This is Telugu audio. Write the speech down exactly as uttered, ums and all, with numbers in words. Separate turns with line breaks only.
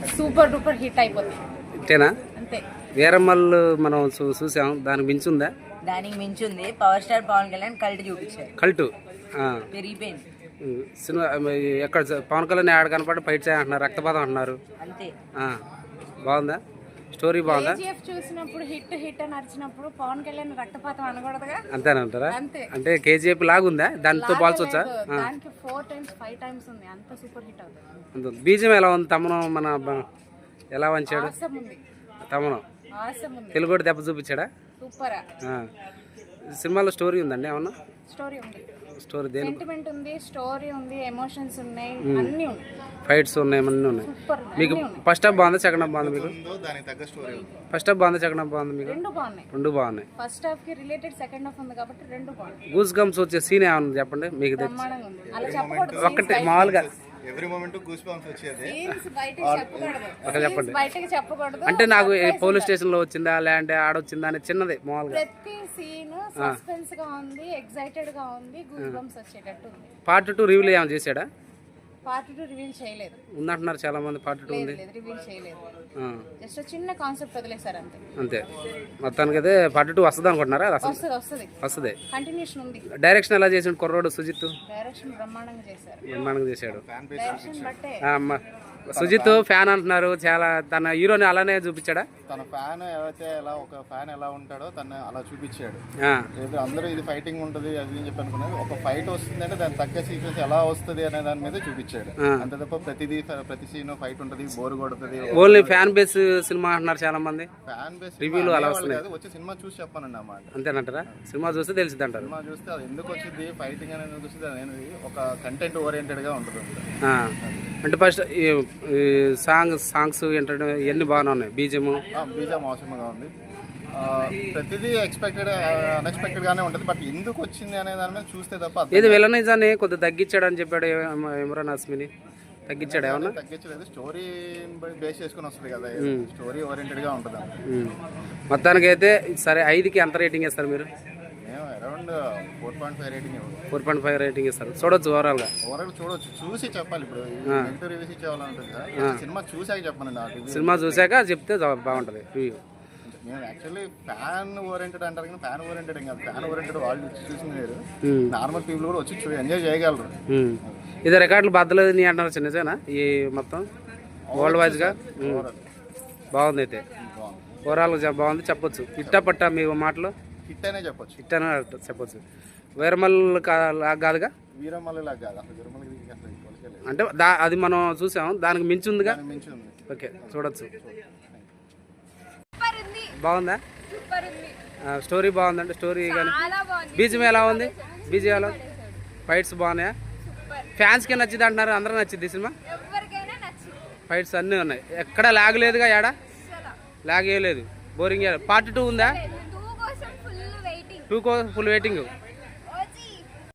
సూపర్ డూపర్ హిట్ అయిపోతుంది.
అంతేనా?
అంతే.
వీరమ్మలు మనం చూసాం, దానికి మించి ఉందా?
దానికి మించి ఉంది. Power star Pawan Kalyan cult చూపించారు.
కల్టు
పెరిగిపోయింది
సినిమా. ఎక్కడ పవన్ కళ్యాణ్ ఆడ కనపడి ఫైట్ చేయంటున్నారు, రక్తపాతం అంటున్నారు.
అంతే.
బాగుందా స్టోరీ? బాగుందా?
కేజీఎఫ్ చూసినప్పుడు హిట్ హిట్ అని అరిచినప్పుడు పవన్ కళ్యాణ్ రక్తపాతం అనకూడదుగా?
అంతేనంటారా?
అంతే.
అంటే కేజీఎఫ్ లాగుందా? దానితో పోల్చొచ్చా?
దానికి ఫోర్ టైమ్స్ ఫైవ్ టైమ్స్ ఉంది, అంత సూపర్ హిట్ అవుతుంది.
బీజం ఎలా ఉంది? తమను మన ఎలా వంచాడు తమను? తెలుగు దెబ్బ చూపించాడా?
సూపర్.
సినిమాలో స్టోరీ ఉందండి ఏమన్నా?
స్టోరీ ఉంది.
స్టోరీ దేని?
సెంటిమెంట్ ఉంది, స్టోరీ ఉంది, ఎమోషన్స్ ఉన్నాయి, అన్నీ ఉన్నాయి,
ఫైట్స్ ఉన్నాయి, అన్నీ ఉన్నాయి. మీకు ఫస్ట్ హాఫ్ బాగుందా సెకండ్ హాఫ్ బాగుందా? మీకు ఫస్ట్ హాఫ్ బాగుందా సెకండ్ హాఫ్ బాగుందా? మీకు
రెండు బాగున్నాయి.
రెండు బాగున్నాయి.
ఫస్ట్ హాఫ్ కి రిలేటెడ్ సెకండ్ హాఫ్ ఉంది కాబట్టి రెండు బాగున్నాయి.
గూస్ గమ్స్ వచ్చే సీన్ ఏమన్నా చెప్పండి మీకు?
బ్రహ్మాండంగా ఉంది. అలా చెప్పకూడదు.
ఒక్కటి మామూలుగా
ఎవ్రీ మొమెంట్ గూస్ బంప్స్ వచ్చేది.
చెప్పండి.
బయటకి చెప్పకూడదు.
అంటే నాకు పోలీస్ స్టేషన్ లో వచ్చిందా లేదంటే ఆడొచ్చిందా అని చిన్నది మామూలుగా.
ప్రతి సీన్ సస్పెన్స్ గా ఉంది, ఎక్సైటెడ్ గా ఉంది, గూస్ బంప్స్ వచ్చేటట్టు ఉంది.
పార్ట్ టూ రివ్యూలు ఏమైనా చేశాడా?
పార్ట్ టూ రివీల్ చేయలేదు.
ఉందంటున్నారు చాలా మంది. పార్ట్ టూ ఉంది,
రివీల్ చేయలేదు. జస్ట్ చిన్న కాన్సెప్ట్ వదిలేశారు అంతే.
అంతే. మొత్తానికి అయితే పార్ట్ టూ వస్తుంది అనుకుంటున్నారా?
వస్తుంది వస్తుంది
వస్తుంది.
కంటిన్యూషన్ ఉంది.
డైరెక్షన్ ఎలా చేసాడు కుర్రోడు సుజిత్?
డైరెక్షన్ బ్రహ్మాండంగా చేశారు.
బ్రహ్మాండంగా చేశాడు.
డైరెక్షన్ బట్టే
సుజిత్ ఫ్యాన్ అంటున్నారు చాలా. తన హీరోని అలానే చూపించాడా?
తన ఫ్యాన్ ఏవైతే ఎలా ఒక ఫ్యాన్ ఎలా ఉంటాడో తను అలా చూపించాడు. అందరూ ఇది ఫైటింగ్ ఉంటుంది అది అని చెప్పి అనుకున్నారు. ఒక ఫైట్ వస్తుంది అంటే దాని తగ్గ సీక్వెన్స్ ఎలా వస్తుంది అనే దాని మీద చూపించాడు. అంతే తప్ప ప్రతిదీ ప్రతి సీన్ ఫైట్ ఉంటుంది, బోర్ కొడుతుంది.
ఓన్లీ ఫ్యాన్ బేస్ సినిమా అంటున్నారు చాలా మంది.
ఫ్యాన్ బేస్
రివ్యూలు అలా వస్తుంది.
వచ్చి సినిమా చూసి చెప్పానండి అన్నమాట.
అంతేనంటారా? సినిమా చూస్తే తెలిసింది అంటారు.
సినిమా చూస్తే అది ఎందుకు వచ్చింది ఫైటింగ్ అనేది ఎందుకు వచ్చింది అనేది ఒక కంటెంట్ ఓరియంటెడ్ గా ఉంటుంది.
అంటే ఫస్ట్ సాంగ్ సాంగ్స్ ఏంటంటే ఇవన్నీ బాగానే ఉన్నాయి. బీజం
బీజం అవసరంగా ఉంది. ప్రతిదీ ఎక్స్పెక్టెడ్ అన్ఎక్స్పెక్టెడ్ గానే ఉంటుంది. బట్ ఎందుకు వచ్చింది అనే దాని మీద చూస్తే తప్ప.
ఇది విలనిజాన్ని కొద్దిగా తగ్గించాడు అని చెప్పాడు ఇమ్రాన్ హస్మిని. తగ్గించాడు ఏమన్నా?
తగ్గించలేదు. స్టోరీ బేస్ చేసుకుని వస్తుంది కదా, స్టోరీ ఓరియంటెడ్ గా ఉంటుంది.
మొత్తానికి అయితే సరే, ఐదుకి ఎంత రేటింగ్ ఇస్తారు మీరు?
మేము around four point five rating
four point five rating ఇస్తారు. చూడొచ్చు ఓవరాల్ గా.
ఓవరాల్ చూడొచ్చు, చూసి చెప్పాలి. ఇప్పుడు నెగిటివ్ రివ్యూస్ ఇచ్చేవాళ్ళంటుంది కదా, సినిమా చూసాక చెప్పండి.
సినిమా చూసాక చెప్తే బాగుంటుంది రివ్యూ.
మేము యాక్చువల్లీ ఫ్యాన్ ఓరియంటెడ్ అంటారు కానీ ఫ్యాన్ ఓరియంటెడ్ ఏం కాదు. ఫ్యాన్ ఓరియంటెడ్ వాళ్ళు చూసింది వేరు, నార్మల్ పీపుల్ కూడా వచ్చి ఎంజాయ్ చేయగలరు.
ఇది రికార్డులు బద్దలేదు నీ అంటున్నారు చిన్నసేనా ఈ మొత్తం వరల్డ్ వైజ్ గా? బాగుంది అయితే, ఓవరాల్ బాగుంది చెప్పొచ్చు. ఇట్టా పట్టా మీ మాటలు
హిట్ అనే చెప్పొచ్చు.
హిట్ అనే చెప్పొచ్చు. వీరమల్ కాదుగా?
వీరమల్లి లాగా కాదు అసలు. వీరమల్లికి
అంటే దా అది మనం చూసాం, దానికి మించి ఉందిగా.
మించి ఉంది.
ఓకే, చూడొచ్చు. బాగుందా? స్టోరీ బాగుందండి. స్టోరీ కానీ బీజం ఎలా ఉంది? బీజం ఎలా? ఫైట్స్ బాగున్నాయా? ఫ్యాన్స్కి నచ్చింది అంటున్నారు, అందరూ నచ్చింది సినిమా. ఫైట్స్ అన్నీ ఉన్నాయి, ఎక్కడ లాగ్ లేదుగా, ఏడా లాగ్ ఏ లేదు, బోరింగ్. పార్ట్ టూ ఉందా? టూ కో ఫుల్ వెయిటింగ్.